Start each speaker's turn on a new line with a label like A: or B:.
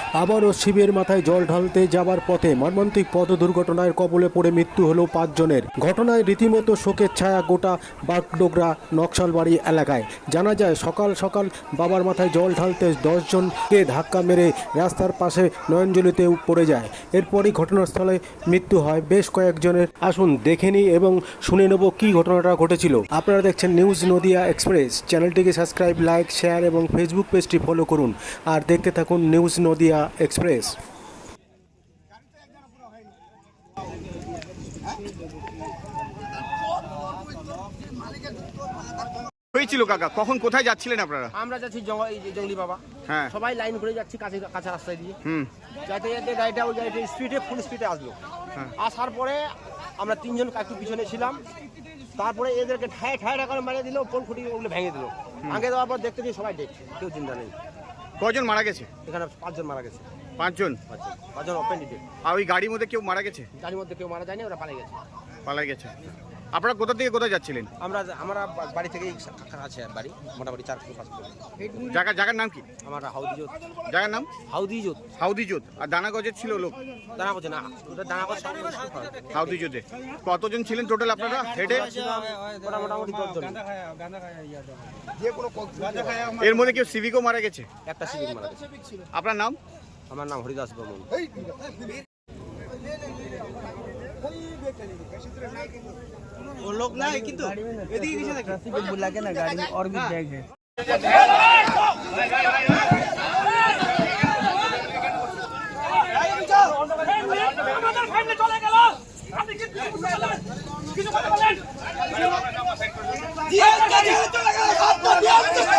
A: আবারও শিবের মাথায় জল ঢালতে যাবার পথে মর্মান্তিক পথ দুর্ঘটনায় কবলে পড়ে মৃত্যু হলো 5 জনের। ঘটনায় রীতিমতো শোকের ছায়া গোটা বাগডোগরা নকশালবাড়ি এলাকায়। জানা যায় সকাল সকাল বাবার মাথায় জল ঢালতে 10 জনকে ধাক্কা মেরে রাস্তার পাশে নয়নজলিতে পড়ে যায়। এরপরই ঘটনাস্থলে মৃত্যু হয় বেশ কয়েকজনের। আসুন দেখে নিই এবং শুনে নেব কী ঘটনাটা ঘটেছিল। আপনারা দেখছেন নিউজ নদিয়া এক্সপ্রেস। চ্যানেলটিকে সাবস্ক্রাইব, লাইক, শেয়ার এবং ফেসবুক পেজটি ফলো করুন আর দেখতে থাকুন নিউজ নদিয়া এক্সপ্রেস।
B: হয়েছিল কাকা, কখন কোথায় যাচ্ছিলেন আপনারা?
C: আমরা যাচ্ছি জঙ্গলি বাবা।
B: হ্যাঁ,
C: সবাই লাইন করে যাচ্ছি কাঁচা রাস্তায় দিয়ে। যাতে যাতে গাড়িটা ওই গাড়িটা ফুল স্পিডে আসলো। আসার পরে আমরা 3 জন একটু পিছনে ছিলাম। তারপরে এদেরকে ঠায় করে মারিয়ে দিল, পোল খুঁটি ওগুলো ভেঙে দিল। ভেঙে দেওয়ার পর দেখতে সবাই ডেট, কেউ চিন্তা নেই।
B: কজন মারা গেছে?
C: এখানে 5 জন মারা গেছে।
B: 5 জন?
C: 5 জন ওপেন ডেট।
B: আর ওই গাড়ির মধ্যে কেউ মারা গেছে?
C: গাড়ির মধ্যে কেউ মারা যায়নি, ওরা
B: পালাই গেছে। আপনারা কোথা থেকে কোথায় যাচ্ছিলেন?
C: আমরা বাড়ি থেকেই আছে বাড়ি, মোটামুটি 4 কিলো 5 কিলো।
B: জায়গার নাম কি?
C: আমার হাউদিজোত।
B: জায়গার নাম
C: হাউদিজোত।
B: আর দানাগজের ছিল লোক?
C: দানাগজ না, ওটা দানাগজ।
B: হাউদিজোতে কতজন ছিলেন টোটাল আপনারা হেডে?
C: মোটামুটি 10 জন।
B: এর মধ্যে কেউ সিভিকও মারা গেছে?
C: একটা সিভিক মারা গেছে।
B: আপনার নাম?
C: আমার নাম হরিদাস বর্মন।
D: वो लोग ना है किंतु এদিকে কিসে দেখে ट्रैफिक बुला के ना गाड़ी में और भी बैग है।
E: আমাদের ফ্যামিলি চলে গেল, আপনি কিছু কথা বলেন। জি চলে গেল, সব